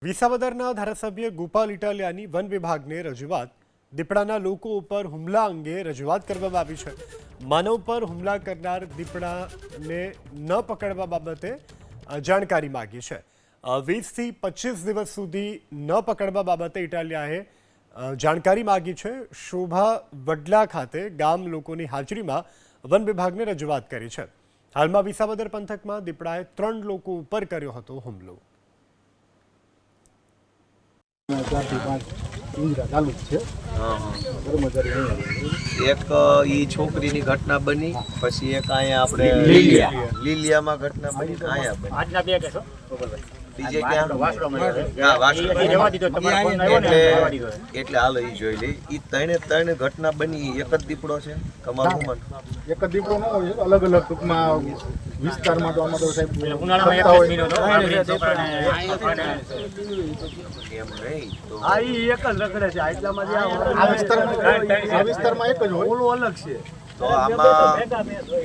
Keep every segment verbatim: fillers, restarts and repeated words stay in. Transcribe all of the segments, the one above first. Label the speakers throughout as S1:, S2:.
S1: વિસાવદરના ધારાસભ્ય ગોપાલ ઇટાલિયાની વન વિભાગને રજૂઆત દીપડાના લોકો ઉપર હુમલા અંગે રજૂઆત કરવામાં આવી છે। માનવ પર હુમલા કરનાર દીપડાને ન પકડવા બાબતે જાણકારી માગી છે। વીસથી પચીસ દિવસ સુધી ન પકડવા બાબતે ઇટાલિયાએ જાણકારી માગી છે। શોભા વડલા ખાતે ગામ લોકોની હાજરીમાં વન વિભાગને રજૂઆત કરી છે। હાલમાં વિસાવદર પંથકમાં દીપડાએ ત્રણ લોકો ઉપર કર્યો હતો હુમલો।
S2: એક ઈ છોકરીની ઘટના બની, પછી એક અહીંયા આપણે લીલિયા લીલિયામાં ઘટના બની, અહીંયા બની આજના બે કેસો બીજે ક્યાં હા વાસણ એટલે એટલે હાલો ઈ જોઈ લે। ઈ ત્રણે ત્રણ ઘટના બની એક જ દીપડો છે તમારું મન
S3: એક જ દીપડો ન હોય, અલગ અલગ ટૂંકમાં વિસ્તારમાં તો આમાં તો સાહેબ ઉનાળામાં એક મહિનો તો
S2: એમ નહીં તો
S4: આ ઈ એક જ રખડે છે આટલામાં જે
S3: આ વિસ્તારમાં આ વિસ્તારમાં એક જ હોય,
S4: ઓલું અલગ છે
S2: તો આમાં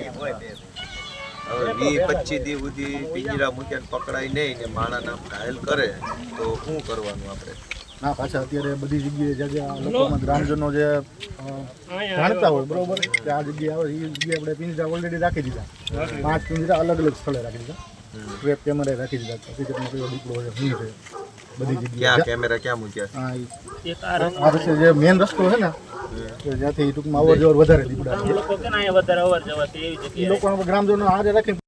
S2: હવે વીસ પચીસ દી સુધી પિંજરા મૂક્યા પકડાય નહીં ને માણાના ઘાયલ કરે તો શું કરવાનું આપણે?
S3: ના પાછા અત્યારે બધી જગ્યાએ જગ્યા લોકોમાં ગ્રામજનો જે જાણતા હોય બરોબર કે આ જગ્યાએ આવે એ જગ્યાએ આપણે પિંજરા ઓલરેડી રાખી દીધા, પાંચ પિંજરા અલગ અલગ સ્થળે રાખી દીધા, ટ્રેપ કેમેરા રાખી દીધા, હકીકતમાં કયો દીપડો છે શું છે બધી જગ્યાએ
S2: ક્યાં કેમેરા ક્યાં મૂક્યા?
S3: હા ઈ આ રસ્તે જે મેઇન રસ્તો છે ને ત્યાંથી ટૂંકમાં અવર જવર વધારે દીપડા
S4: લોકો કે ના વધારે અવર જવર એવી જગ્યાએ
S3: એ લોકો ગ્રામજનો હારે રાખી